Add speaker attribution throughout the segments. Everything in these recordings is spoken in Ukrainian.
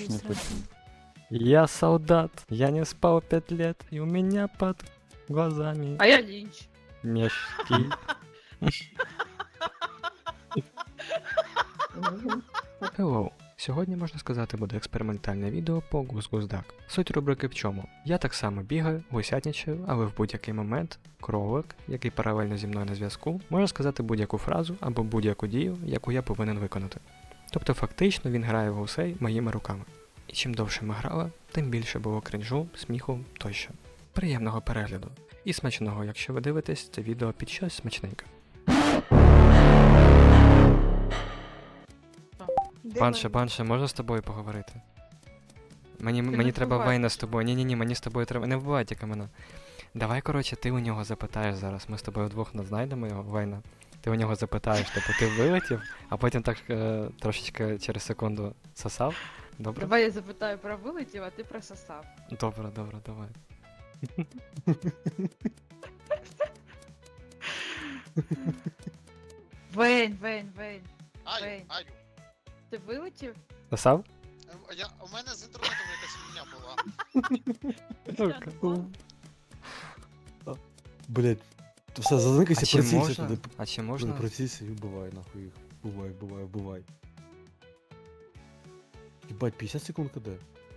Speaker 1: не почув.
Speaker 2: Я солдат, я не спал 5 лет, и у меня под глазами
Speaker 3: А я Лінч.
Speaker 2: мешки. Hello. Сьогодні, можна сказати, буде експериментальне відео по гус-гус-дак. Суть рубрики в чому? Я так само бігаю, гусятничаю, але в будь-який момент кролик, який паралельно зі мною на зв'язку, може сказати будь-яку фразу або будь-яку дію, яку я повинен виконати. Тобто фактично він грає в гусей моїми руками. І чим довше ми грали, тим більше було кринжу, сміху тощо. Приємного перегляду. І смачного, якщо ви дивитесь це відео під щось смачненьке. Банше, можна з тобою поговорити? Мені треба
Speaker 3: вбивай.
Speaker 2: Вейна з тобою. Ні, мені з тобою треба. Не вбивай тільки мене. Давай, коротше, ти у нього запитаєш зараз. Ми з тобою вдвох знайдемо його, Вейна. Ти у нього запитаєш, типу, ти вилетів, а потім так трошечки через секунду сосав. Добре?
Speaker 3: Давай я запитаю про вилетів, а ти про сосав.
Speaker 2: Добре, давай.
Speaker 3: Вейн.
Speaker 4: Аю,
Speaker 3: Вейн.
Speaker 4: Аю.
Speaker 3: Ти вилетів?
Speaker 2: Сосав?
Speaker 4: У мене з інтернетом якась фігня була.
Speaker 5: Блять, то все, заникайся,
Speaker 2: А чи
Speaker 5: прицілься
Speaker 2: можна?
Speaker 5: туди.
Speaker 2: А чи можна?
Speaker 5: Прицілься і вбивай нахуй їх. Вбивай. Єбать, 50 секунд КД.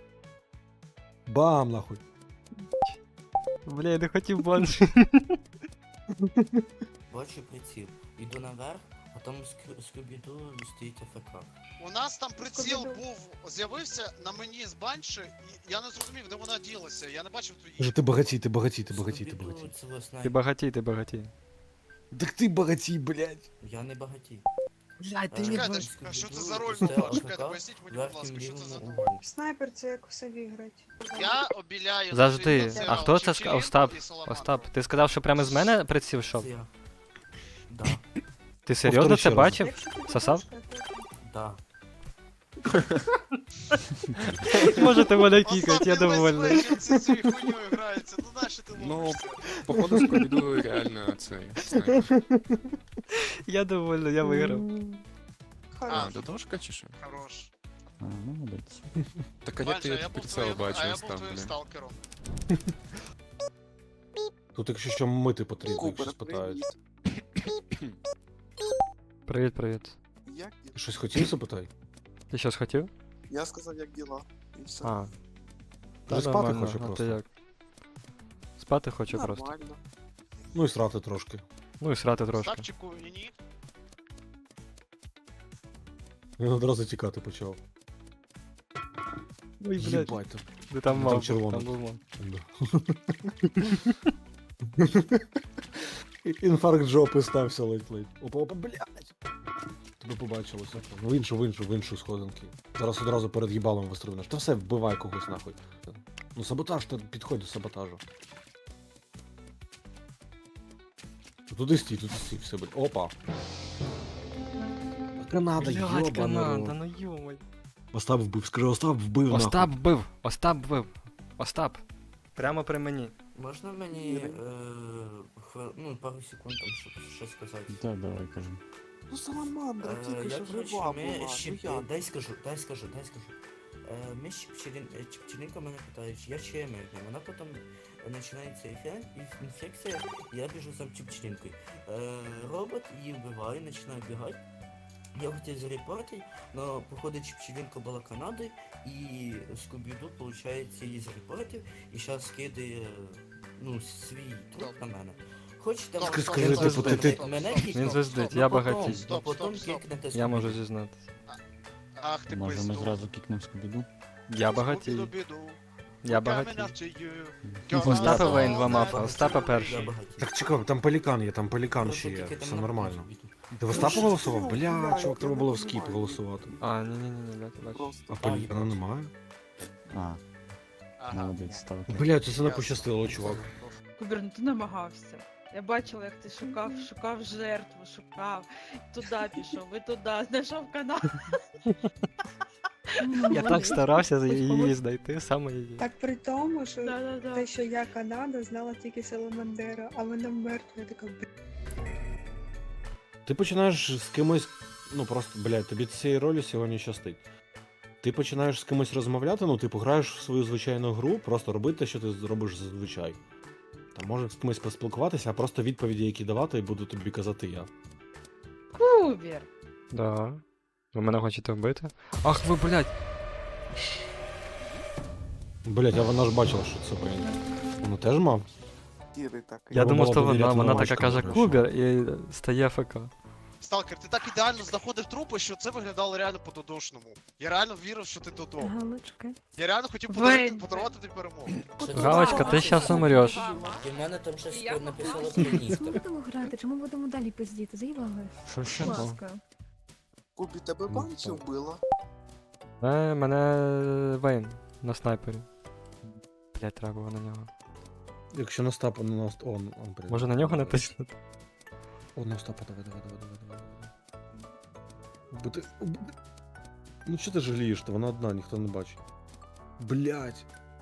Speaker 5: Бам, нахуй.
Speaker 2: Бля, я не хотів банши.
Speaker 6: Бачу приціл. Іду наверх, а там скубіду стоїть АФК.
Speaker 4: У нас там приціл був, з'явився на мені з банші, і я не зрозумів, де вона ділася. Я не бачив
Speaker 5: Вже
Speaker 4: твої.
Speaker 5: ти багатій. Ти багатій.
Speaker 2: Ти багатій.
Speaker 5: Так ти багатій, блять.
Speaker 6: Я не багатій.
Speaker 2: Блядь,
Speaker 6: ти не
Speaker 4: Чекайте, а що це за роль була? Чекайте, поясніть мені, будь ласка, що це за роль?
Speaker 7: Снайпер це як у сові грати.
Speaker 4: Я обіляю...
Speaker 2: Завжди.
Speaker 4: наших
Speaker 2: А хто це сказав? Остап,
Speaker 4: і Саламандру.
Speaker 2: Остап, ти сказав, що прямо з мене приціл йшов?
Speaker 6: Це я. Да,
Speaker 2: Ти серйозно
Speaker 5: Повтори
Speaker 2: це
Speaker 5: ще раз.
Speaker 2: бачив?
Speaker 7: Якщо ти
Speaker 2: Сосав?
Speaker 6: да.
Speaker 2: Можете мене
Speaker 4: Остап,
Speaker 2: кікати, я
Speaker 4: ти весь
Speaker 2: довольний.
Speaker 4: вечір ці цією хуйньою грається, ну нащо ти
Speaker 8: Ну,
Speaker 4: ловишся?
Speaker 8: Походу, Скобіду реально цей снайпер.
Speaker 2: Я довольний, я виграв.
Speaker 8: А, додошка чи що?
Speaker 4: Хорош.
Speaker 1: А, ну, молодець.
Speaker 8: Так а як
Speaker 4: Банша,
Speaker 8: ти
Speaker 4: я
Speaker 8: як
Speaker 4: був
Speaker 8: прицел
Speaker 4: твоїм,
Speaker 8: бачив,
Speaker 4: а я був
Speaker 8: Остап,
Speaker 4: твоїм
Speaker 8: блін?
Speaker 4: сталкером.
Speaker 5: Тут якщо що мити потрібно, якщо
Speaker 9: Кубер,
Speaker 5: спитають.
Speaker 2: Привіт.
Speaker 9: Як діла?
Speaker 5: Ти щось хотів запитай?
Speaker 2: Ти щось хотів?
Speaker 9: Я сказав, як діла. І все.
Speaker 2: А.
Speaker 5: Вже спати
Speaker 2: нормально,
Speaker 5: хочу
Speaker 2: а
Speaker 5: просто.
Speaker 2: ти як? Спати хочу просто.
Speaker 9: Нормально.
Speaker 5: Ну і срати трошки.
Speaker 2: Ну і срати трошки.
Speaker 4: Ставчику і ні.
Speaker 5: Він одразу тікати почав.
Speaker 2: Ой, блядь,
Speaker 5: Єбать там.
Speaker 2: ти там
Speaker 5: Там
Speaker 2: мав,
Speaker 5: червоно.
Speaker 2: там був мав.
Speaker 5: Да. Інфаркт жопи стався ледь-ледь. Опа, блядь. Тебе побачилося. Ну в іншу сходинки. Зараз одразу перед їбалом вистрибнеш. Та все, вбивай когось нахуй. Ну саботаж, ти підходь до саботажу. Туди стій, все, блядь. Опа. Канада,
Speaker 2: Блядь, Канада,
Speaker 5: йобана.
Speaker 2: ну йомай.
Speaker 5: Остап вбив, скажи, Остап вбив
Speaker 2: Остап вбив, Остап вбив. Остап. Прямо при мені.
Speaker 6: Можна мені пару секунд там, щоб щось сказати?
Speaker 1: Так, давай, кажу.
Speaker 9: Ну саламандра, тільки
Speaker 6: Я,
Speaker 9: що
Speaker 6: коротше,
Speaker 9: жива
Speaker 6: ми
Speaker 9: була.
Speaker 6: ще...
Speaker 9: Ну як?
Speaker 6: Дай скажу. Ми з Чіпчелінка мене питають, я чемер, вона потім починається інфекція, я біжу сам Чіпчелінкою. Робот її вбиває, починає бігати. Я хотів зарепортити, но походу Чіпчелінка була Канадою, і Скубіду, виходить, її зарепортив, і зараз скидає, свій труп на мене. Хочете...
Speaker 5: Скажи, типу, ти-
Speaker 6: Мене
Speaker 2: Він
Speaker 6: кікнув,
Speaker 2: звездить,
Speaker 6: но
Speaker 2: я
Speaker 6: потім-
Speaker 2: багатій.
Speaker 6: но потім кікнете
Speaker 2: Я можу
Speaker 6: Скубіду.
Speaker 2: зізнатися.
Speaker 4: Ах ти
Speaker 1: Може ми
Speaker 4: пизду.
Speaker 1: зразу кікнемо Скобіду?
Speaker 2: Я багатій.
Speaker 4: Скубіду-біду.
Speaker 2: Я
Speaker 4: Coming
Speaker 2: багатій.
Speaker 4: after you.
Speaker 2: Остапа
Speaker 6: Я
Speaker 2: Вейн, два
Speaker 6: багатій.
Speaker 2: мафа, Остапа
Speaker 6: Я
Speaker 2: перший.
Speaker 6: багатій.
Speaker 5: Так чекай, там пелікан є, там пелікан
Speaker 6: Просто
Speaker 5: ще є.
Speaker 6: тільки там
Speaker 5: Все
Speaker 6: на
Speaker 5: нормально.
Speaker 6: Скубіду.
Speaker 5: Ти в Остапа голосував? Бля, чувак, треба було в скіп голосувати.
Speaker 2: А, ні, бачу.
Speaker 9: Просто.
Speaker 5: А пелікана немає?
Speaker 1: А,
Speaker 4: Ага.
Speaker 1: молодець, став.
Speaker 5: Бля, це не пощастило, чувак.
Speaker 3: Кубер, ну ти намагався. Я бачила, як ти шукав жертву, туди пішов, і туди, знайшов канал.
Speaker 2: Я так старався її знайти, саме її.
Speaker 7: Так при тому, що
Speaker 3: Да-да-да.
Speaker 7: те, що я Канада, знала тільки Саламандера, а вона мертва, я така,
Speaker 5: Ти починаєш з кимось, ну просто, блядь, тобі цієї ролі сьогодні щастить. Ти починаєш з кимось розмовляти, ну, типу, граєш в свою звичайну гру, просто роби те, що ти робиш зазвичай. Там можеш з кимось поспілкуватися, а просто відповіді, які давати, буду тобі казати я.
Speaker 3: Кубер.
Speaker 2: Да. Ви мене хочете вбити? Ах ви, блядь!
Speaker 5: Блять, а вона ж бачила, що це блін. Вона теж мав?
Speaker 9: Кіри так.
Speaker 2: Я
Speaker 5: Треба
Speaker 2: думав,
Speaker 5: було
Speaker 2: що
Speaker 5: довіряти
Speaker 2: вона така
Speaker 5: новачкам,
Speaker 2: каже
Speaker 5: коротше.
Speaker 2: Кубер і стає ФК.
Speaker 4: Сталкер, ти так ідеально знаходив трупи, що це виглядало реально по-додошному. Я реально вірив, що ти Додо.
Speaker 10: Галочка.
Speaker 4: Я реально хотів
Speaker 3: Вейн.
Speaker 4: подарувати тобі перемогу.
Speaker 2: Галочка, ти щас умреш.
Speaker 6: І в мене там щось
Speaker 3: Я
Speaker 6: написало
Speaker 10: Чи
Speaker 6: про
Speaker 10: ми
Speaker 6: Ністер.
Speaker 10: будемо грати, чи ми будемо далі пиздіти? Заїбали.
Speaker 2: Що ще?
Speaker 10: Будь ласка.
Speaker 9: Кубі, тебе банчі вбила?
Speaker 2: Мене Вейн на снайпері. Блять, треба було на нього.
Speaker 5: Якщо на Остапа, на Остапа, он, блін.
Speaker 2: Може на нього натиснути?
Speaker 5: О, на Остапа, давай. Бути... Ну що ти жалієш, то вона одна, ніхто не бачить. Блять.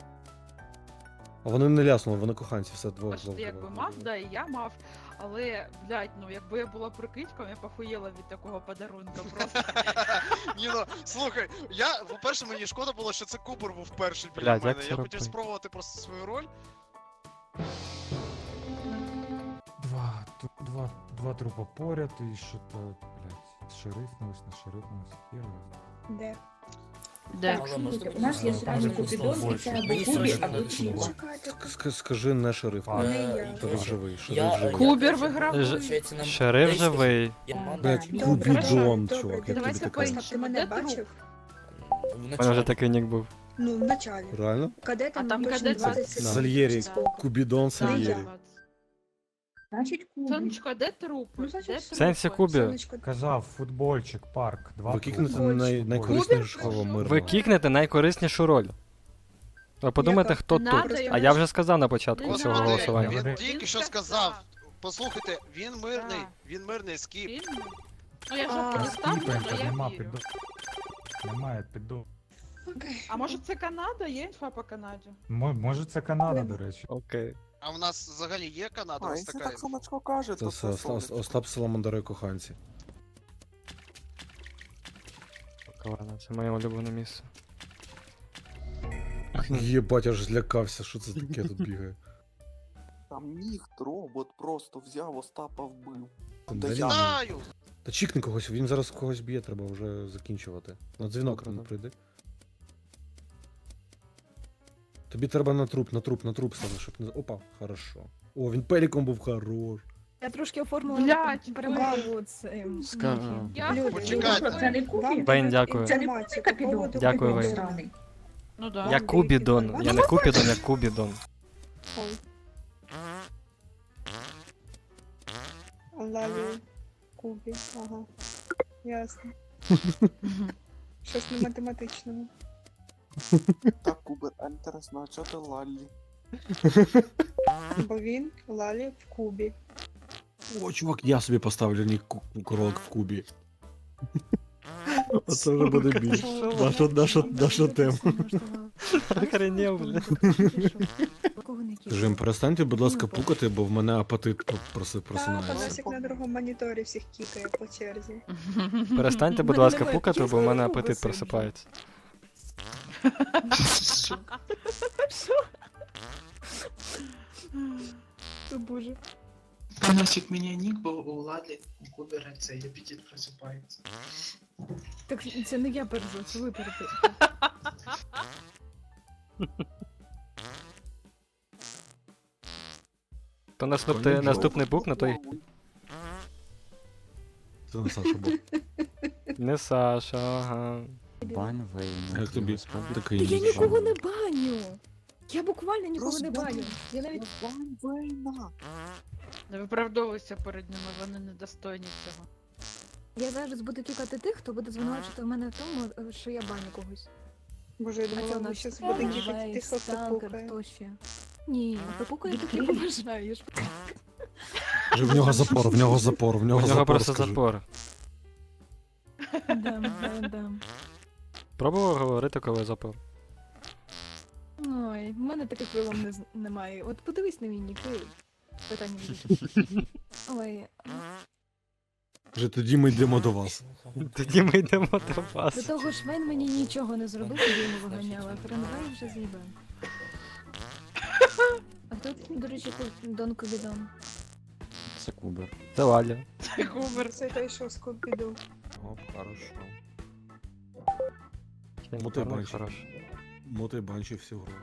Speaker 5: А вони не ляснули, вони коханці, все двох.
Speaker 3: Аж ти якби мав, да, і я мав. Але, блядь, ну якби я була прикидьком, я похуєла від такого подарунка просто.
Speaker 4: Ні, ну, слухай, по-перше, мені шкода було, що це Кубер був перший біля
Speaker 2: Блядь, як
Speaker 4: мене.
Speaker 2: це
Speaker 4: Я
Speaker 2: робити?
Speaker 4: хотів спробувати просто свою роль.
Speaker 11: Два трупа поряд і що то, блядь, шерифнулись, не шерифнулись, хіро.
Speaker 7: Де?
Speaker 3: Де?
Speaker 6: Але можна
Speaker 10: У нас є
Speaker 6: мені
Speaker 10: сразу
Speaker 6: сказати,
Speaker 10: Купідон, і
Speaker 6: що
Speaker 10: це або
Speaker 6: мені
Speaker 10: Кубі,
Speaker 6: срочно
Speaker 10: або
Speaker 6: надо
Speaker 10: Чіва.
Speaker 6: було.
Speaker 7: Чекайте.
Speaker 5: Скажи не шериф.
Speaker 6: Е,
Speaker 5: Шериф живий, шериф
Speaker 6: я-
Speaker 5: живий.
Speaker 3: Кубер
Speaker 6: я-
Speaker 3: виграв.
Speaker 6: Получається, нам
Speaker 2: Шериф
Speaker 6: десь-
Speaker 2: живий.
Speaker 6: Я мав
Speaker 5: Блять,
Speaker 6: чи-
Speaker 7: Добре,
Speaker 5: Кубідон,
Speaker 7: добре,
Speaker 5: чувак, як тобі
Speaker 3: Давайте
Speaker 5: таке?
Speaker 3: по-іншому.
Speaker 7: Остап, ти мене
Speaker 3: Де труп?
Speaker 7: бачив?
Speaker 6: в
Speaker 2: У мене
Speaker 6: началі.
Speaker 2: вже такий нік був.
Speaker 7: Ну, в началі.
Speaker 5: Реально?
Speaker 7: Кадетам
Speaker 3: А там
Speaker 7: точно
Speaker 3: кадет
Speaker 7: 20
Speaker 3: це-
Speaker 7: секунд.
Speaker 5: Сальєрі,
Speaker 3: Да.
Speaker 5: Кубідон
Speaker 7: Не
Speaker 5: Сальєрі.
Speaker 7: я.
Speaker 10: Значить, Кубі.
Speaker 3: Сонечко, де трупи?
Speaker 7: Ну, значить,
Speaker 3: Де
Speaker 7: все.
Speaker 3: трупи?
Speaker 2: Сенсі Кубі.
Speaker 7: Сонечко,
Speaker 11: Казав, футбольчик, парк, два
Speaker 5: Ви кікнете
Speaker 11: трупа.
Speaker 5: найкориснішого
Speaker 3: Кубер?
Speaker 5: мирного.
Speaker 2: Ви кікнете найкориснішу роль. Ви подумайте,
Speaker 7: Яка?
Speaker 2: хто
Speaker 3: Не
Speaker 2: тут.
Speaker 3: надо
Speaker 2: А я вже сказав на початку
Speaker 3: Не
Speaker 2: цього
Speaker 3: надо.
Speaker 2: голосування.
Speaker 4: Він
Speaker 11: Він
Speaker 4: тільки що
Speaker 3: сказав.
Speaker 4: сказав. Послухайте, він мирний скіп.
Speaker 3: Фільм? Ну я
Speaker 7: А,
Speaker 3: жопу не ставлю,
Speaker 11: Скіпаємо,
Speaker 3: але я
Speaker 11: нема
Speaker 3: вірю.
Speaker 11: піду. Немає піду.
Speaker 7: Окей.
Speaker 3: А може це Канада? Є інфа по Канаді?
Speaker 11: Може це Канада, до речі.
Speaker 2: Окей.
Speaker 4: А в нас взагалі є Канада?
Speaker 9: А,
Speaker 4: Ось
Speaker 9: якщо
Speaker 4: така.
Speaker 9: так Сонечко каже,
Speaker 5: Це
Speaker 9: то
Speaker 5: все,
Speaker 9: це сонечко.
Speaker 5: Остап Саламандери коханці.
Speaker 2: Ладно, це моє улюблене місце.
Speaker 5: Єбать, аж злякався, що це таке тут бігає.
Speaker 9: Там ніхт, робот просто взяв Остапа вбив.
Speaker 5: Та
Speaker 9: Та
Speaker 5: ні.
Speaker 9: я-
Speaker 4: Знаю!
Speaker 5: Та чікни когось, він зараз когось б'є, треба вже закінчувати. На дзвінок
Speaker 2: Добре,
Speaker 5: не
Speaker 2: добре.
Speaker 5: прийди. Тобі треба на труп саме, щоб не. Опа, хорошо. О, він пеліком був хорош.
Speaker 10: Я трошки оформила
Speaker 3: Блядь,
Speaker 10: перемогу цим.
Speaker 3: Я
Speaker 7: Люди,
Speaker 4: Почекайте.
Speaker 7: люди,
Speaker 10: Це не
Speaker 7: вам
Speaker 10: Кубі?
Speaker 2: Вейн, дякую.
Speaker 7: Це не Капідон.
Speaker 2: Дякую, Вейн.
Speaker 3: Ну да.
Speaker 2: Я Кубідон. Я не Купідон, я Кубідон.
Speaker 7: Лалі. Кубі. Ага. Ясно. Щось не математичного.
Speaker 9: Так, Кубер, а інтересно, а чого ти Лаллі?
Speaker 7: Бо він Лалі в Кубі.
Speaker 5: О, чувак, я собі поставлю нік кролик в кубі. Оце вже буде більш. Наша тема.
Speaker 2: Охренів, бля.
Speaker 5: Скажи їм, перестаньте, будь ласка, пукати, бо в мене апетит
Speaker 7: Та,
Speaker 5: просинається.
Speaker 7: Панасик на другому моніторі всіх кікає по черзі.
Speaker 2: Перестаньте, будь
Speaker 10: Мене
Speaker 2: ласка,
Speaker 10: немає
Speaker 2: пукати, бо в
Speaker 10: чесної
Speaker 2: мене
Speaker 10: руки
Speaker 2: апетит
Speaker 10: сиджу.
Speaker 2: просипається.
Speaker 10: О, Боже.
Speaker 12: Панасик меня ник, бо у Лалі у Кубера цей апетит просипається.
Speaker 10: Так це не я пережу, це ви пережу.
Speaker 2: То наступний бук на той.
Speaker 5: Це не Саша був.
Speaker 2: Не Саша, ага.
Speaker 1: Бань Вейна.
Speaker 5: Як тобі
Speaker 10: Та
Speaker 5: такий
Speaker 10: я нікого не баню. Я буквально нікого не
Speaker 9: Розбудь.
Speaker 10: баню. Я навіть
Speaker 9: Бань Вейна!
Speaker 3: Не виправдовуйся перед ними, вони недостойні цього.
Speaker 10: я зараз буду кікати тих, хто буде звинувачувати в мене в тому, що я баню когось.
Speaker 7: Боже, я
Speaker 10: А це
Speaker 7: думала,
Speaker 10: у
Speaker 7: ви
Speaker 10: нас
Speaker 7: щас буде кікати
Speaker 10: Вейс,
Speaker 7: тих, хто
Speaker 10: Сталкер,
Speaker 7: пукає.
Speaker 10: хто ще. Ні, попукаю так, як бажаєш.
Speaker 5: Вже в нього запор, в нього запор, в
Speaker 2: У
Speaker 5: нього
Speaker 2: нього
Speaker 5: запор,
Speaker 2: просто
Speaker 5: скажи.
Speaker 2: запор.
Speaker 10: Дам.
Speaker 2: Пробував говорити, коли запор.
Speaker 10: Ой, в мене таких вилом немає. От подивись на мій нік, і питання будуть. Ой.
Speaker 5: Вже тоді ми йдемо до вас.
Speaker 2: Тоді ми йдемо до
Speaker 10: До
Speaker 2: вас.
Speaker 10: того ж, Вейн мені нічого не зробив, тоді йому виганяла, а Френвей вже з'їбав. А хто, до речі, тут Дон Кубідон?
Speaker 1: Це кубер.
Speaker 2: Це Валя.
Speaker 3: Гумер.
Speaker 7: Це той, що з Купіду.
Speaker 5: Оп, хорошо.
Speaker 2: Чим
Speaker 5: Ну, ти
Speaker 2: гарно,
Speaker 5: бачиш.
Speaker 2: хорош.
Speaker 5: Моти банчі всю гру.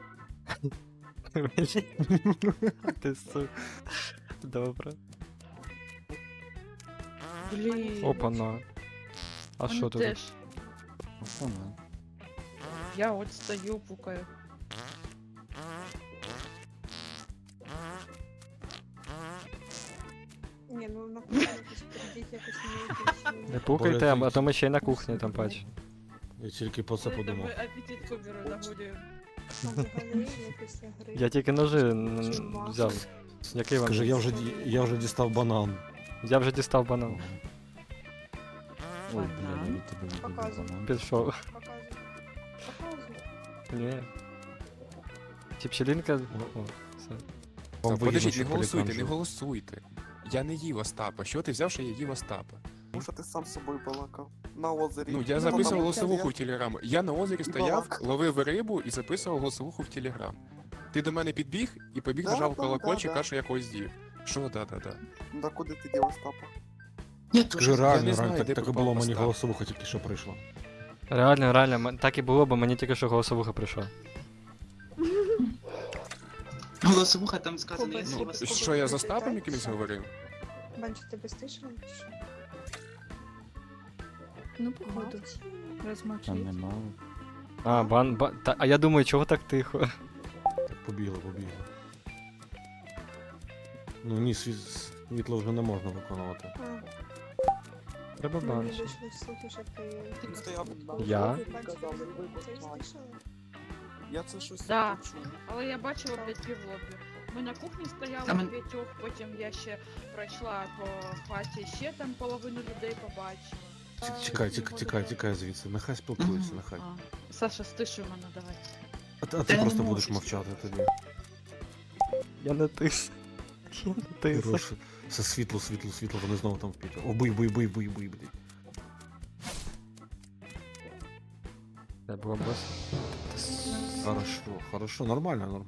Speaker 2: Ти сука. Добре.
Speaker 3: Блін.
Speaker 2: Опа-на. А
Speaker 3: Вони
Speaker 2: що тут?
Speaker 3: теж.
Speaker 1: Вона.
Speaker 3: Я от стою, пукаю.
Speaker 7: Ні, ну на кухні якось прийдіть, якось не якось.
Speaker 2: Не пукайте, а то ми ще й на кухні там бач.
Speaker 5: Я тільки про це
Speaker 3: Коли там
Speaker 5: подумав.
Speaker 3: ми апетит куберу нагодуємо.
Speaker 7: Там взагалі після гри.
Speaker 2: Я тільки ножи взяв. Який вам?
Speaker 5: Скажи, я вже дістав банан.
Speaker 2: Я вже дістав банан.
Speaker 1: Ой, бля, я від тебе відійду
Speaker 7: Показуй.
Speaker 1: банан.
Speaker 2: Пішов.
Speaker 7: Показуй. Показуй.
Speaker 2: Ні. Чіпчелінка. О, все.
Speaker 5: Вам
Speaker 8: Подождіть,
Speaker 5: вигідно,
Speaker 8: не
Speaker 5: що
Speaker 8: голосуйте,
Speaker 5: пелікан
Speaker 8: не голосуйте. Я не їв Остапа. Що ти взяв, що я їв Остапа?
Speaker 9: Тому що ти сам з собою балакав. На озері.
Speaker 8: Ну, я
Speaker 9: Ну,
Speaker 8: записував
Speaker 9: там
Speaker 8: голосовуху в
Speaker 9: я-
Speaker 8: Телеграм. Я на озері стояв,
Speaker 9: балак.
Speaker 8: ловив рибу і записував голосовуху в Телеграм. Ти до мене підбіг і побіг
Speaker 9: Да,
Speaker 8: нажав
Speaker 9: да,
Speaker 8: колокольчик,
Speaker 9: да,
Speaker 8: каже, що я когось з'їв. Що, да.
Speaker 9: Ну, да куди ти дів Остапа?
Speaker 12: Я теж.
Speaker 5: Скажи,
Speaker 8: Я
Speaker 5: реально,
Speaker 8: не знаю,
Speaker 5: реально,
Speaker 8: де
Speaker 5: так і
Speaker 8: пропав
Speaker 5: було, мені
Speaker 8: Остап.
Speaker 5: голосовуха тільки що прийшла.
Speaker 2: Реально, так і було, бо мені тільки що голосовуха прийшла.
Speaker 12: Голосовуха там сказано,
Speaker 7: Кубер,
Speaker 12: якщо
Speaker 8: Ну,
Speaker 12: вас...
Speaker 7: Кубер.
Speaker 8: що я з Остапом якимось говорив?
Speaker 7: Банчі, тебе стишили? чи що?
Speaker 10: Ну, походу. Розмовчить.
Speaker 1: Там нема.
Speaker 2: А, а я думаю, чого так тихо?
Speaker 5: Так, побігли. Ну ні, світло вже не можна виконувати.
Speaker 7: А,
Speaker 2: Треба
Speaker 7: мені
Speaker 2: банш.
Speaker 7: вийшли слухи, що ти...
Speaker 9: Він стояв
Speaker 2: Я?
Speaker 7: Банчі,
Speaker 9: казав,
Speaker 7: ти
Speaker 9: ви
Speaker 7: це
Speaker 9: знаєте.
Speaker 7: стишили?
Speaker 9: Я це щось
Speaker 3: Да.
Speaker 9: почув.
Speaker 3: Але я бачила, блядь, півлобі. Ми на кухні стояли
Speaker 12: А мен-
Speaker 3: п'ятьох, потім я ще пройшла по хаті, ще там половину людей побачила.
Speaker 5: Тікай звідси. Нехай спілкується,
Speaker 12: Мгм.
Speaker 5: нехай.
Speaker 3: А, Саша, стишуй мене, давай.
Speaker 5: А ти
Speaker 12: Та я
Speaker 5: просто
Speaker 12: не
Speaker 5: будеш
Speaker 12: можу.
Speaker 5: мовчати тоді.
Speaker 2: Я не тис. Я не тис.
Speaker 5: Хороше. Все світло, вони знову там впіти. О, бий, блядь.
Speaker 2: Це було бос.
Speaker 5: Хорошо, нормально.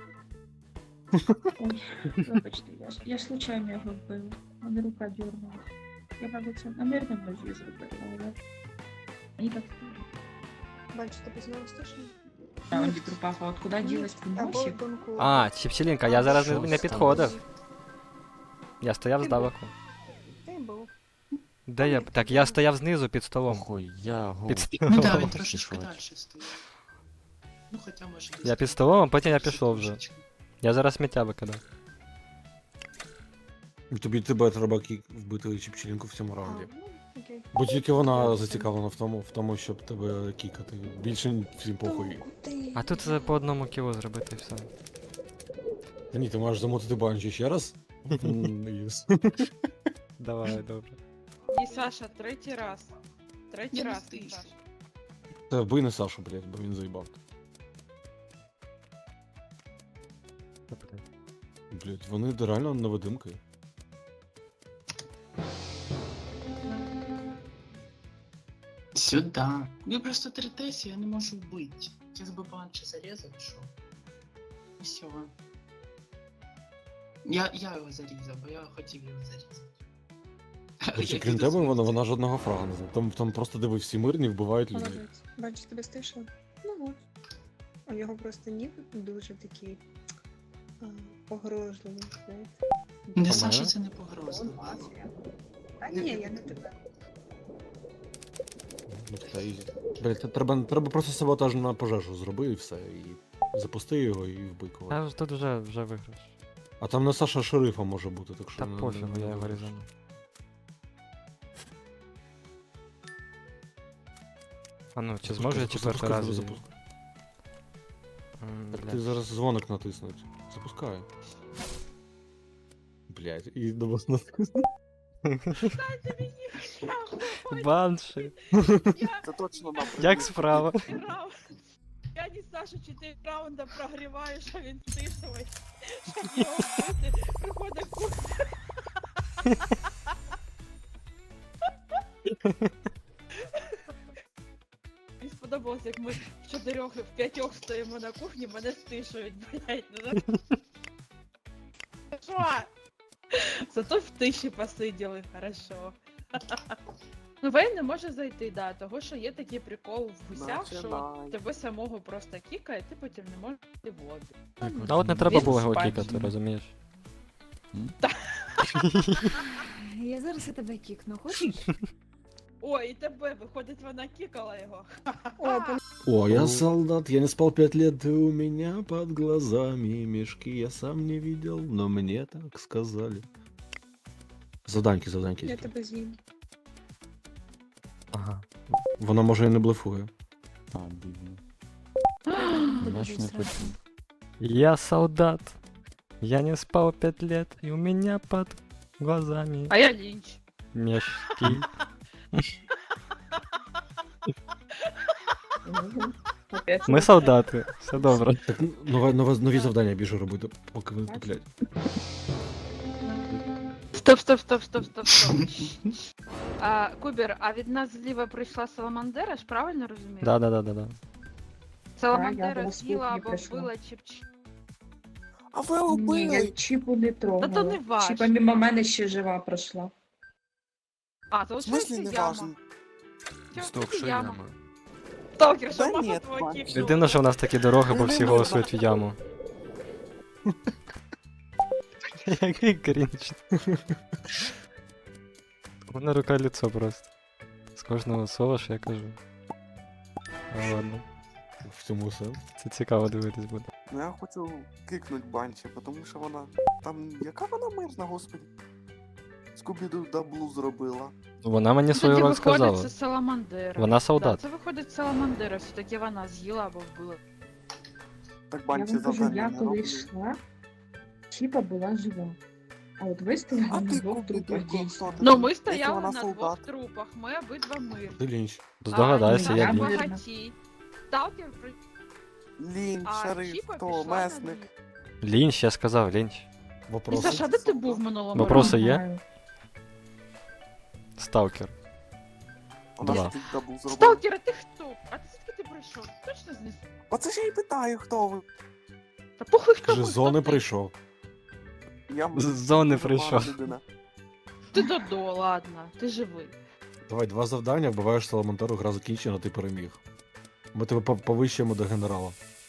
Speaker 13: Вибачте, я случайно його вбила. Мене рука дернула. Я, мабуть, це намірно ножі зробила, але мені так стало.
Speaker 7: Банчі, тебе знову стишили?
Speaker 13: А он пропав, а от куди ділась
Speaker 7: Або
Speaker 13: приносик?
Speaker 7: Донку.
Speaker 2: А, Чіпчелінка, я зараз
Speaker 1: Що
Speaker 2: не
Speaker 1: сталося?
Speaker 2: підходив. Я стояв здалеку.
Speaker 7: Ти був.
Speaker 2: Де я? Так, я стояв знизу під столом.
Speaker 1: Охуй, я
Speaker 2: Під
Speaker 1: голос.
Speaker 12: Ну да, він
Speaker 2: столом.
Speaker 12: трошечки далі стоїть. Ну, хоча може десь...
Speaker 2: Я під столом, а потім я пішов вже.
Speaker 12: трошечки.
Speaker 2: Я зараз сміття викидав.
Speaker 5: Тебе треба вбити Чіпчелінку в цьому
Speaker 7: А,
Speaker 5: раунді.
Speaker 7: ну, окей.
Speaker 5: Бо тільки вона зацікавлена в тому, щоб тебе кікати. Більше всім похуй.
Speaker 2: А тут по одному кіло зробити і все.
Speaker 5: Та ні, ти маєш замотити банджі ще раз. Єс.
Speaker 2: Давай, добре.
Speaker 3: І Саша, третій раз. Третій
Speaker 12: Я не
Speaker 3: раз,
Speaker 12: стишу.
Speaker 3: Саша.
Speaker 5: Та вбий не Сашу, блядь, бо він заїбав. Блядь, вони реально невидимки.
Speaker 12: Сюда. Ви просто третесі, я не можу вбити. Зараз би банче зарізав, що. І все. Я його зарізав, бо я хотів його зарізати.
Speaker 5: Хоча
Speaker 12: Я
Speaker 5: крім
Speaker 12: піду
Speaker 5: тебе,
Speaker 12: звідси.
Speaker 5: вона жодного фрага не знає. Там просто диви, всі мирні вбивають людей.
Speaker 7: Молодець. Банчі, тебе стишили? Ну от. А його просто ніби дуже такий погрожливий, знаєте.
Speaker 12: Не
Speaker 2: Помагає?
Speaker 12: Саша, це не погрозливо.
Speaker 7: Та ні, я не тебе.
Speaker 5: Ну, та ізі. Блядь, треба просто саботаж на пожежу зроби і все. І запусти його і вбий когось.
Speaker 2: А тут вже виграш.
Speaker 5: А там не Саша шерифа може бути, так що.
Speaker 2: Та
Speaker 5: не-
Speaker 2: пофігу,
Speaker 5: не-
Speaker 2: я
Speaker 5: не
Speaker 2: його
Speaker 5: виграш.
Speaker 2: різану. А ну, чи зможу я четвертий раз? її?
Speaker 5: Запускай. Так
Speaker 2: Блядь.
Speaker 5: ти зараз дзвоник натиснуть. Запускай. Блядь, і до вас натиснуть.
Speaker 3: Дайте мені шляху,
Speaker 2: Банші.
Speaker 9: Це точно нам
Speaker 2: Як справа?
Speaker 3: Я не Саша 4 раунда прогріваю, що він стишує. Щоб його вбити, приходить кухня. Мені сподобалось, як ми в 4 в 5 стоїмо на кухні, мене стишують, блядь. Ну, що? Зато в тиші посиділи, хорошо. Ну, Вейн не може зайти, да, того, що є такий прикол в гусях, що
Speaker 9: Починай.
Speaker 3: тебе самого просто кікає, ти потім не можеш йти в лобі.
Speaker 2: А от не треба
Speaker 3: Він
Speaker 2: було його
Speaker 3: спать.
Speaker 2: кікати, розумієш?
Speaker 10: Я зараз і тебе кікну, хочеш?
Speaker 3: Ой, і тебе, виходить, вона кікала його.
Speaker 10: О,
Speaker 5: О, я солдат, я не спал 5 лет, и у меня под глазами мешки. Я сам не видел, но мне так сказали. Заданьки.
Speaker 7: Я тебе з'їм.
Speaker 2: Ага.
Speaker 5: Вона може і не блефує.
Speaker 1: А, бідно. Значить не почув.
Speaker 2: Я солдат. Я не спал 5 лет, и у меня под глазами
Speaker 3: А я лінч.
Speaker 2: мешки.
Speaker 13: Опять.
Speaker 2: Ми солдати, все добре.
Speaker 5: Так, нові завдання біжу робити, поки ви туплять.
Speaker 3: Стоп. А, Кубер, а від нас зліва прийшла Саламандера, ж правильно розумію?
Speaker 2: Да.
Speaker 3: Саламандера
Speaker 13: була з
Speaker 3: з'їла
Speaker 13: кухні
Speaker 3: або
Speaker 13: прийшла.
Speaker 3: вбила Чіп-Чіп.
Speaker 9: А ви
Speaker 13: Ні, я
Speaker 9: убили!
Speaker 13: Чіпу не трогала.
Speaker 3: Та то не важ.
Speaker 13: Чіпа мимо мене ще жива пройшла.
Speaker 3: А, то
Speaker 9: В смислі не важно?
Speaker 8: Стоп, що яма?
Speaker 3: Сталкер, що
Speaker 9: Да
Speaker 3: мама
Speaker 9: ні,
Speaker 3: твого
Speaker 9: Вань.
Speaker 3: кікнула?
Speaker 2: Єдине, що в нас такі дороги, бо всі голосують в яму. Який крінж. У мене рука лицо просто. З кожного слова, що я кажу. А ладно.
Speaker 5: В цьому сенс.
Speaker 2: Це цікаво дивитись буде.
Speaker 9: Ну я хочу кикнуть банчі, тому що вона. Там яка вона мирна, господи? Скубіду даблу зробила.
Speaker 2: Вона мені свою
Speaker 3: Тоді
Speaker 2: роль
Speaker 3: виходить,
Speaker 2: сказала.
Speaker 3: це Саламандера.
Speaker 2: Вона солдат.
Speaker 3: Да, це виходить Саламандера, все-таки вона з'їла або вбила.
Speaker 9: Так
Speaker 13: Я
Speaker 9: банчі
Speaker 13: вам кажу,
Speaker 9: завдання
Speaker 13: я
Speaker 9: не
Speaker 13: коли
Speaker 9: робили.
Speaker 13: йшла, Чіпа була жива. А от ви
Speaker 9: А
Speaker 13: стояли на
Speaker 9: ти
Speaker 13: двох
Speaker 9: Кубіду,
Speaker 13: трупах дійсно.
Speaker 9: хто ти?
Speaker 3: Ну, ми
Speaker 9: Якщо
Speaker 3: стояли
Speaker 9: вона
Speaker 3: на
Speaker 9: солдат.
Speaker 3: 2 трупах, ми обидва мирні.
Speaker 5: Ти лінч.
Speaker 2: Здогадайся,
Speaker 3: А,
Speaker 2: я
Speaker 13: я
Speaker 2: лінч.
Speaker 13: мирна.
Speaker 3: багатій. Сталкер при...
Speaker 9: Лінь,
Speaker 3: А
Speaker 9: шериф,
Speaker 3: Чіпа
Speaker 9: хто,
Speaker 3: пішла на
Speaker 9: месник.
Speaker 3: ніг.
Speaker 2: Лінч, я сказав, лінч.
Speaker 5: Вопроси?
Speaker 3: Міша, де ти був в минулому
Speaker 2: Вопроси
Speaker 3: році?
Speaker 2: є?
Speaker 13: Знаю.
Speaker 2: Сталкер.
Speaker 9: Вона
Speaker 2: Два.
Speaker 9: ж тут даблу зробила.
Speaker 3: Сталкер, а ти хто? А ти звідки ти прийшов? Точно знес?
Speaker 9: Оце ж я й питаю, хто ви.
Speaker 3: Та похуй хто
Speaker 5: Каже,
Speaker 3: ви,
Speaker 5: з зони
Speaker 3: хто ти?
Speaker 5: прийшов.
Speaker 9: Я
Speaker 2: З зони
Speaker 9: дуже
Speaker 2: прийшов.
Speaker 9: погана людина.
Speaker 3: Ти Додо, ладно, ти живий.
Speaker 5: Давай, 2 завдання, вбиваєш Саламантеру, гра закінчена, ти переміг. Ми тебе повищуємо до генерала.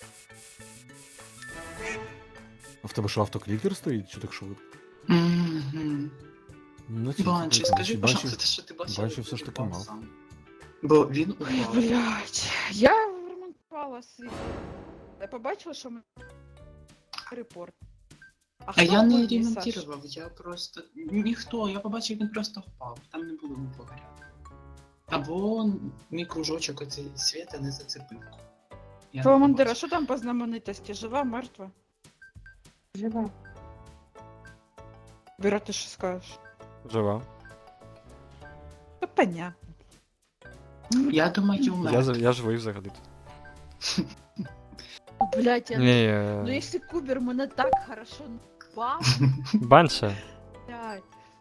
Speaker 5: А в тебе що, автоклікер стоїть, чи так швидко?
Speaker 12: Мгм.
Speaker 5: Ну, це
Speaker 12: Банчі,
Speaker 5: цікаво.
Speaker 12: скажи,
Speaker 5: Банчі-
Speaker 12: пожалуйста, те, що ти бачив.
Speaker 5: Банчі все ж таки
Speaker 12: упав
Speaker 5: мав.
Speaker 12: сам. Бо він упав.
Speaker 3: Блять, я ремонтувала свій. Я побачила, що ми репорт.
Speaker 12: А я
Speaker 3: хто
Speaker 12: не
Speaker 3: вбив Сашу?
Speaker 12: ремонтував, я просто. Ніхто, я побачив, він просто впав. Там не було нікого рядом. Або мій кружочок оцей світа не зацепив. Я не
Speaker 3: Саламандера,
Speaker 12: побачив.
Speaker 3: що там по знаменитості? Жива, мертва?
Speaker 13: Жива.
Speaker 3: Біра, ти що скажеш?
Speaker 2: Жива.
Speaker 3: Та понятно.
Speaker 12: Я думаю,
Speaker 2: Я живий взагалі.
Speaker 3: Блять, я...
Speaker 2: Ні,
Speaker 3: Ну якщо Кубер мене так хорошо напав,
Speaker 2: Банша.
Speaker 3: блять.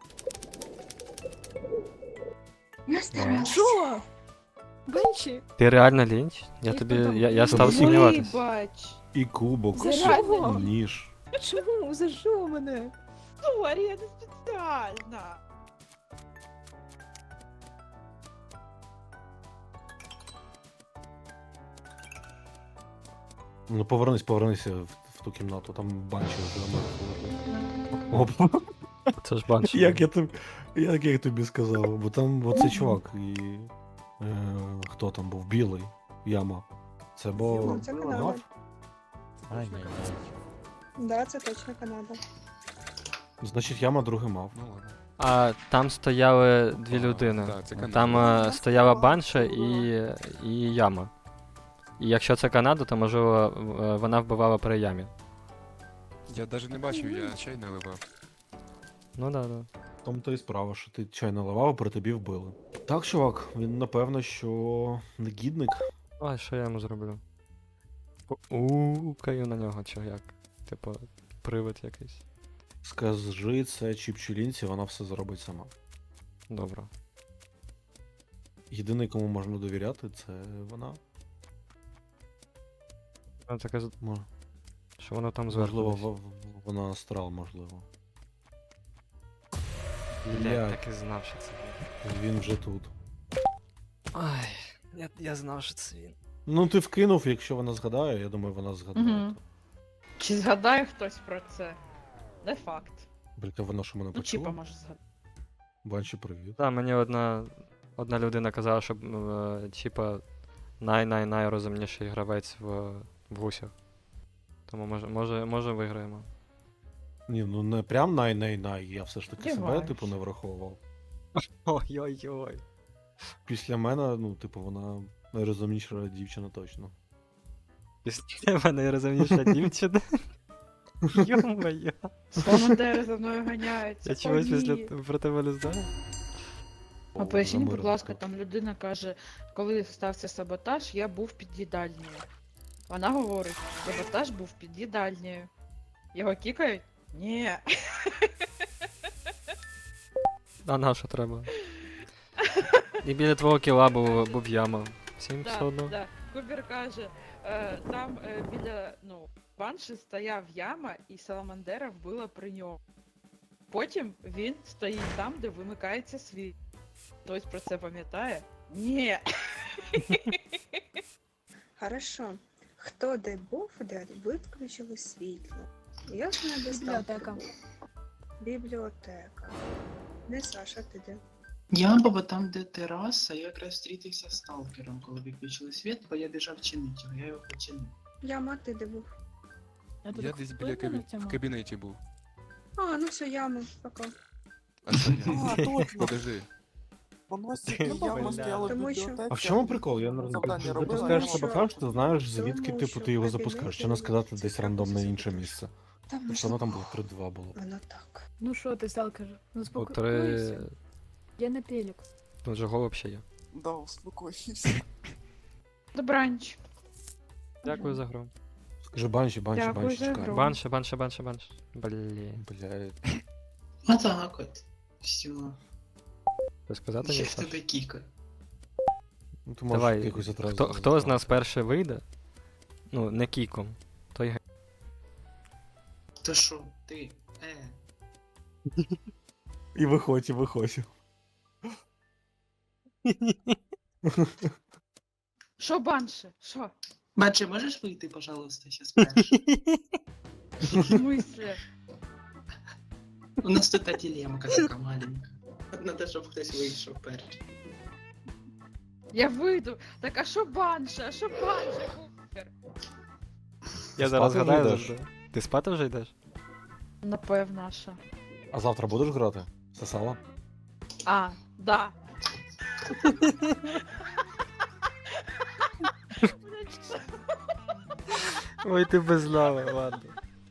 Speaker 13: Я старалась.
Speaker 10: Що? Бенчі?
Speaker 2: Ти реально лінч? Я став сумніватись.
Speaker 3: Вибач.
Speaker 5: І кубок,
Speaker 10: За
Speaker 5: і
Speaker 10: що?
Speaker 5: ніж.
Speaker 10: Чому? За що мене?
Speaker 3: Сорі, я не спеціально.
Speaker 5: Ну повернися в ту кімнату, там банчі Оп.
Speaker 2: Це ж банша.
Speaker 5: Як я тобі сказав, бо там оцей чувак і. Хто там був? Білий. Яма. Це бо.
Speaker 7: Ну, це Канада.
Speaker 5: Гав?
Speaker 1: Ай-яй-яй.
Speaker 7: Да, це точно Канада.
Speaker 5: Значить, яма другий мав.
Speaker 8: Ну ладно.
Speaker 2: А там стояли дві людини.
Speaker 8: да, це Канада.
Speaker 2: Там стояла банша і яма. І якщо це Канада, то можливо вона вбивала при ямі.
Speaker 8: Я навіть не бачив, я чай наливав.
Speaker 2: Ну да.
Speaker 5: В тому то і справа, що ти чай наливав, а при тобі вбили. Так, чувак, він напевно, що негідник.
Speaker 2: Ой, що я йому зроблю? Каю на нього, чи як? Типу, привид якийсь.
Speaker 5: Скажи це Чіпчулінці, вона все зробить сама.
Speaker 2: Добре.
Speaker 5: Єдиний, кому можна довіряти, це вона.
Speaker 2: Вона таке,
Speaker 5: Мо-
Speaker 2: що воно там зверху.
Speaker 5: Можливо,
Speaker 2: десь.
Speaker 5: вона астрал, можливо.
Speaker 2: Блядь,
Speaker 5: Блядь.
Speaker 2: так і знав, що це він.
Speaker 5: Він вже тут.
Speaker 2: Ай, я знав, що це він.
Speaker 5: Ну, ти вкинув, якщо вона згадає, я думаю, вона згадає.
Speaker 3: Мгм. Чи згадає хтось про це? Не факт.
Speaker 5: Бляка, вона що мене
Speaker 3: Ну, Чіпа
Speaker 5: почула?
Speaker 3: може згадати.
Speaker 5: Банші, привіт.
Speaker 2: Так, мені одна людина казала, що Чіпа найрозумніший гравець в усіх. Тому може виграємо.
Speaker 5: Ні, ну не прям най-най-най, я все ж таки себе,
Speaker 3: Сподіваюсь.
Speaker 5: типу, не враховував.
Speaker 2: Ой-ой-ой.
Speaker 5: Після мене, ну, типу, вона найрозумніша дівчина точно.
Speaker 2: Після мене найрозумніша дівчина. Йо-моє.
Speaker 3: Саламандери за мною ганяються.
Speaker 2: Я чогось
Speaker 3: О,
Speaker 2: після
Speaker 3: ні.
Speaker 2: про тебе не знаю.
Speaker 3: А поясніть, будь
Speaker 5: Замирила
Speaker 3: ласка,
Speaker 5: тут.
Speaker 3: там людина каже, коли стався саботаж, я був під їдальнею. Вона говорить, саботаж був під їдальнею. Його кікають? Ні.
Speaker 2: А на що треба? І біля твого кіла був яма. Всім все одно.
Speaker 3: Да. Кубер каже, там біля банші стояв яма, і саламандера вбила при ньому. Потім він стоїть там, де вимикається світ. Хтось про це пам'ятає? Ні.
Speaker 7: Хорошо. Хто де був, де виключили світло? Я ж не достав.
Speaker 10: Бібліотека.
Speaker 7: Бібліотека. Не Саша, ти де?
Speaker 12: Я був там, де тераса, я якраз зустрітився з сталкером, коли виключили світ, бо я біжав чинити його, я його починив.
Speaker 7: Яма, ти де був?
Speaker 8: Я десь біля в кабінеті був.
Speaker 7: А, ну все, яма, пока.
Speaker 8: А це я.
Speaker 9: А, точно.
Speaker 8: Подожди.
Speaker 9: Воно стільки яма стояла в
Speaker 7: Тому що-
Speaker 9: бібліотеці.
Speaker 5: А в чому прикол? Я не розумію.
Speaker 9: Завдання
Speaker 5: Ти
Speaker 9: робила,
Speaker 5: запускаєш
Speaker 9: що-
Speaker 5: саботаж, ти знаєш, звідки
Speaker 7: Тому
Speaker 5: типу
Speaker 7: що
Speaker 5: ти його
Speaker 7: кабінет
Speaker 5: запускаєш. Чи не сказати десь
Speaker 7: цікавиться
Speaker 5: рандомне інше
Speaker 7: ситуацією.
Speaker 5: місце.
Speaker 7: Там
Speaker 5: Тому що воно там було 3-2 було.
Speaker 7: Воно так.
Speaker 10: Ну що ти, сталкер? Ну
Speaker 2: По
Speaker 10: спокойся.
Speaker 2: 3.
Speaker 10: Я не пелік.
Speaker 2: Тут же гол взагалі є.
Speaker 9: Да, успокойся.
Speaker 3: Добранч.
Speaker 2: Дякую за гру.
Speaker 5: Скажи банші, банші,
Speaker 3: Дякую
Speaker 5: банші,
Speaker 3: за
Speaker 5: чекай.
Speaker 3: гру.
Speaker 2: Банше. Блін.
Speaker 5: Блядь.
Speaker 12: А так от. Все.
Speaker 2: Ти сказати
Speaker 12: Я
Speaker 2: ні,
Speaker 12: в
Speaker 2: Саш?
Speaker 12: тебе кікаю.
Speaker 5: Ну ти можеш
Speaker 2: Давай,
Speaker 5: якось одразу.
Speaker 2: хто з нас перший вийде? Ну, не кіком. Той га-
Speaker 12: То що, ти?
Speaker 5: І виходь, і виходь.
Speaker 3: Що банши? Що?
Speaker 12: Бачи, можеш вийти, пожалуйста, сейчас перший?
Speaker 3: В смислі?
Speaker 12: У нас тут та дилемка така маленька. От надо, щоб хтось вийшов перший.
Speaker 3: Я вийду. Так а що банша? А що банша, Кубер?
Speaker 2: Я зараз
Speaker 5: Спати
Speaker 2: гадаю
Speaker 5: вже йдеш?
Speaker 2: завжди. Ти спати вже йдеш?
Speaker 3: Напевно, що.
Speaker 5: А завтра будеш грати? Сосала?
Speaker 3: А, да.
Speaker 2: Ой, ти без лави, ладно.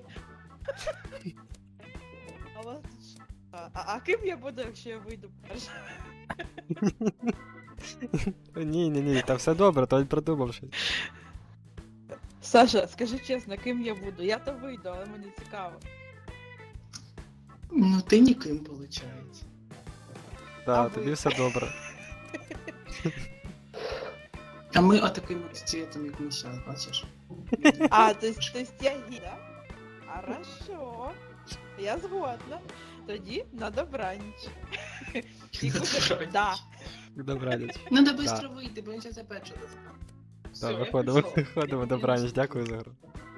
Speaker 3: А у вас тут що? А ким я буду, якщо я вийду перша?
Speaker 2: Ні, та все добре, то придумав щось.
Speaker 3: Саша, скажи чесно, ким я буду? Я то вийду, але мені цікаво.
Speaker 12: Ну ти ніким, виходить.
Speaker 2: Да,
Speaker 3: А
Speaker 2: тобі
Speaker 3: ви?
Speaker 2: все добре.
Speaker 12: А ми отаким от цвітом, як ми зараз, бачиш?
Speaker 3: А, то есть я гі, да? Хорошо. Я згодна. Тоді на добраніч. І Кубер, да.
Speaker 2: Добраніч.
Speaker 12: Надо швидко вийти, бо він зараз опять щось.
Speaker 2: Так, виходимо, добраніч, дякую за гру.